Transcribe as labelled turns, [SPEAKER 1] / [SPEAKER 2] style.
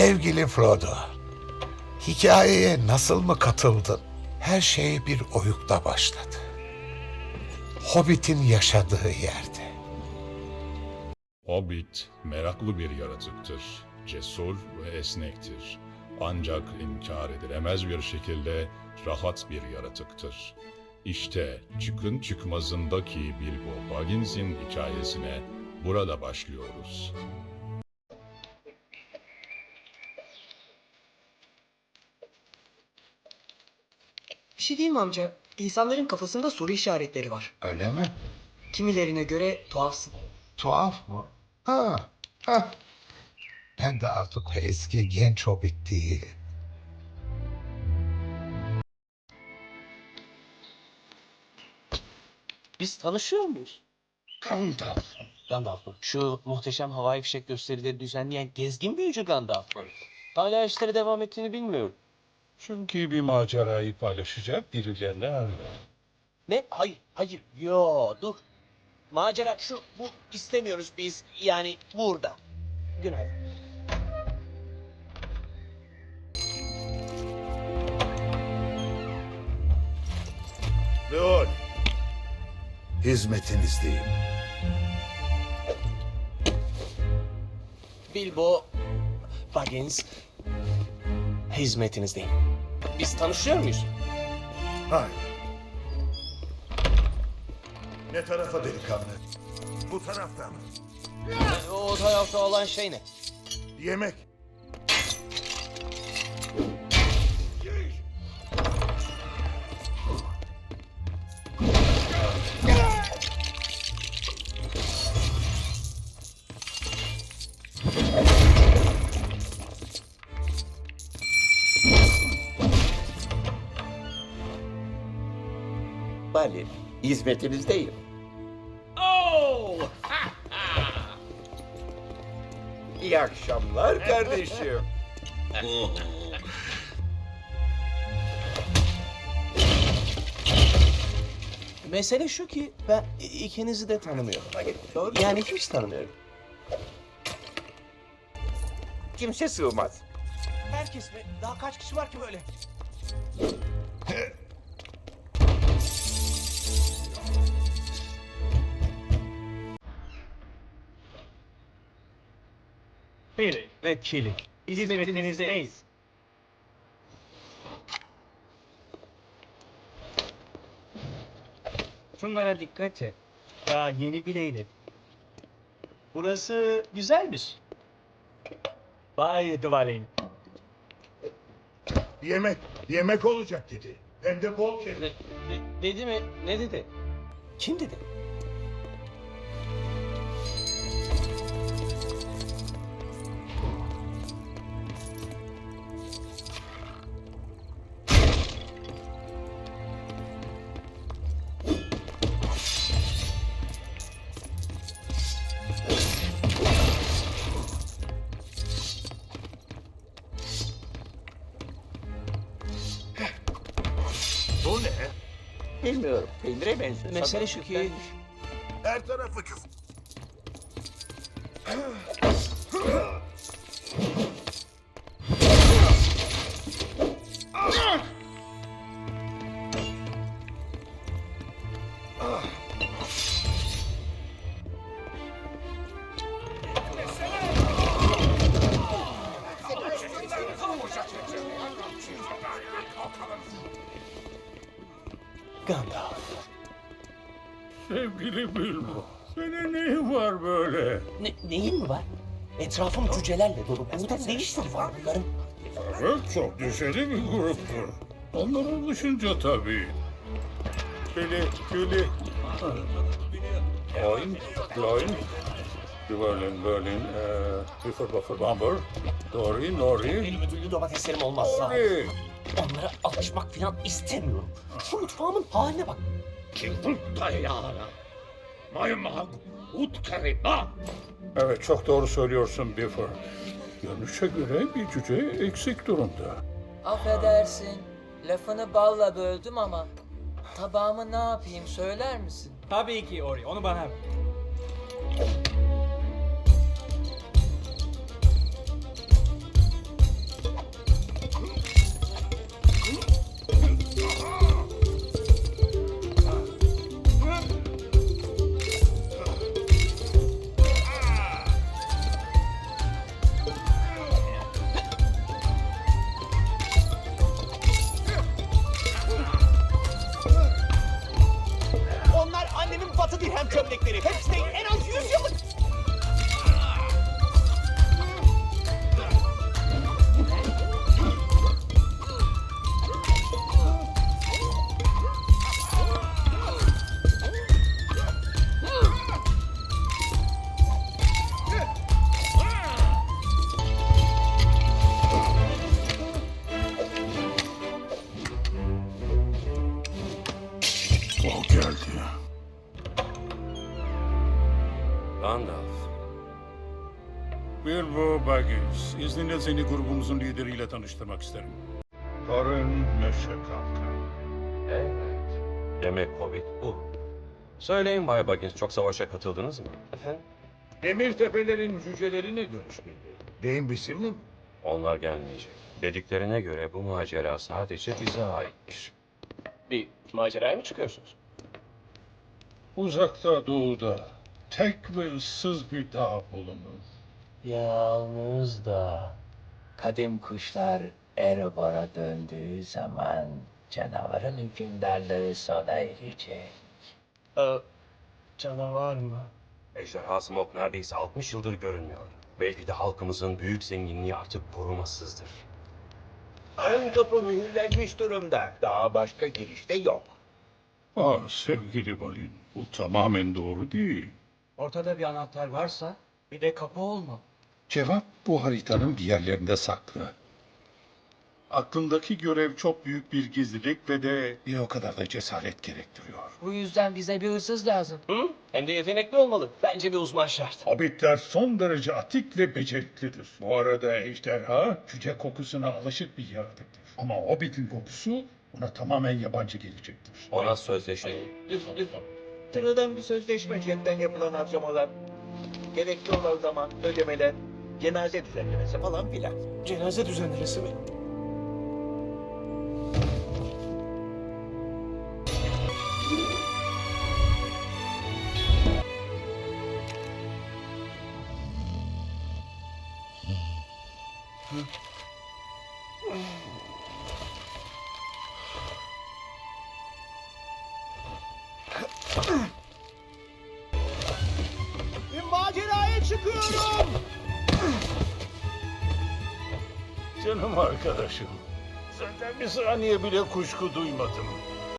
[SPEAKER 1] Sevgili Frodo, hikayeye nasıl mı katıldın? Her şey bir oyukta başladı. Hobbit'in yaşadığı yerde.
[SPEAKER 2] Hobbit meraklı bir yaratıktır. Cesur ve esnektir. Ancak inkar edilemez bir şekilde rahat bir yaratıktır. İşte çıkın çıkmazındaki Bilbo Baggins'in hikayesine burada başlıyoruz.
[SPEAKER 3] Bir şey diyeyim mi amca? İnsanların kafasında soru işaretleri var.
[SPEAKER 1] Öyle mi?
[SPEAKER 3] Kimilerine göre tuhafsın.
[SPEAKER 1] Tuhaf mı? Ha. Ben de artık o eski genç Hobbit değil.
[SPEAKER 4] Biz tanışıyor muyuz?
[SPEAKER 1] Gandalf.
[SPEAKER 4] Gandalf mı? Şu muhteşem havai fişek gösterileri düzenleyen gezgin büyücü Gandalf mı? Hala işleri devam ettiğini bilmiyorum.
[SPEAKER 5] Çünkü bir macerayı paylaşacak birilerini arıyor.
[SPEAKER 4] Ne? Hayır. Yo, dur. Macera bu istemiyoruz biz. Yani burada. Günaydın.
[SPEAKER 6] Leon, hizmetinizdeyim.
[SPEAKER 4] Bilbo Baggins hizmetinizdeyim. Biz tanışıyor muyuz?
[SPEAKER 6] Hayır. Ne tarafa delikanlı? Bu tarafta mı?
[SPEAKER 4] O tarafta olan şey ne?
[SPEAKER 6] Yemek.
[SPEAKER 7] Bali, hizmetinizdeyim. İyi akşamlar kardeşim.
[SPEAKER 4] Mesele şu ki ben ikinizi de tanımıyorum. Yani hiç tanımıyorum.
[SPEAKER 7] Kimse sığmaz.
[SPEAKER 4] Herkes mi? Daha kaç kişi var ki böyle?
[SPEAKER 8] Piri ve Çili. Hizmetinizdeyiz. Şunlara dikkat et. Daha yeni bileydim. Burası güzelmiş. Vay Dvalin.
[SPEAKER 6] Yemek. Yemek olacak dedi. Hem de bol kere.
[SPEAKER 4] Dedi mi? Ne dedi? Kim dedi?
[SPEAKER 6] Bu ne?
[SPEAKER 7] Bilmiyorum, peynire benziyor.
[SPEAKER 4] Mesele şu ki
[SPEAKER 6] Her tarafı küf.
[SPEAKER 4] Gandalf.
[SPEAKER 5] Sevgili Bilbo, senin neyin var böyle?
[SPEAKER 4] Neyin mi var? Etrafım cücelerle dolu. Burada ne işleri var bunların?
[SPEAKER 5] Evet, çok düşeli bir gruptur. Onlara alışınca tabii. Kili. Oin, Gloin, Berlin, Buffer, Bumper, Dory, Nori,
[SPEAKER 4] Benim ödüllü domateslerim olmazsa.
[SPEAKER 5] Nori.
[SPEAKER 4] Onlara alışmak falan istemiyorum. Şu mutfağımın haline bak.
[SPEAKER 5] Evet, çok doğru söylüyorsun Buffer. Görünüşe göre bir cüce eksik durumda.
[SPEAKER 9] Affedersin, lafını balla böldüm ama tabağımı ne yapayım söyler misin?
[SPEAKER 8] Tabii ki Ori, onu bana ver.
[SPEAKER 5] Bilbo Baggins. İzninle seni grubumuzun lideriyle tanıştırmak isterim. Torun Nöşekanka.
[SPEAKER 10] Evet. Demek Hobbit bu. Söyleyin Bay Baggins, çok savaşa katıldınız mı?
[SPEAKER 4] Efendim?
[SPEAKER 7] Demir tepelerin cüceleri ne demiş miydi?
[SPEAKER 6] Deyin bizimle mi?
[SPEAKER 10] Onlar gelmeyecek. Dediklerine göre bu macera sadece bize aitmiş.
[SPEAKER 4] Bir maceraya mı çıkıyorsunuz?
[SPEAKER 5] Uzakta doğuda tek ve ıssız bir dağ bulunur.
[SPEAKER 9] Yalnız da kadim kuşlar Erebor'a döndüğü zaman canavarın hükümdarlığı sona erecek.
[SPEAKER 4] Canavar mı?
[SPEAKER 10] Ejderha Smoke neredeyse 60 yıldır görünmüyor. Belki de halkımızın büyük zenginliği artık korumasızdır.
[SPEAKER 7] Ön kapı mühürlenmiş durumda. Daha başka girişte yok.
[SPEAKER 5] Sevgili Balin, bu tamamen doğru değil.
[SPEAKER 8] Ortada bir anahtar varsa bir de kapı olma.
[SPEAKER 5] Cevap bu haritanın bir yerlerinde saklı. Aklındaki görev çok büyük bir gizlilik ve de bir o kadar da cesaret gerektiriyor.
[SPEAKER 9] Bu yüzden bize bir hırsız lazım.
[SPEAKER 4] Hı? Hem de yetenekli olmalı. Bence bir uzman şart.
[SPEAKER 5] Hobbitler son derece atik ve beceriklidir. Bu arada ejderha cüce kokusuna alışık bir yaratıktır. Ama Hobbit'in kokusu ona tamamen yabancı gelecektir.
[SPEAKER 10] Ona sözleşelim.
[SPEAKER 7] Sıradan bir sözleşme, cepten yapılan harcamalar, gerekli olan zaman, ödemeler, cenaze düzenlemesi falan filan.
[SPEAKER 4] Cenaze düzenlemesi mi?
[SPEAKER 8] Maceraya çıkıyorum.
[SPEAKER 5] Canım arkadaşım, senden bir saniye bile kuşku duymadım.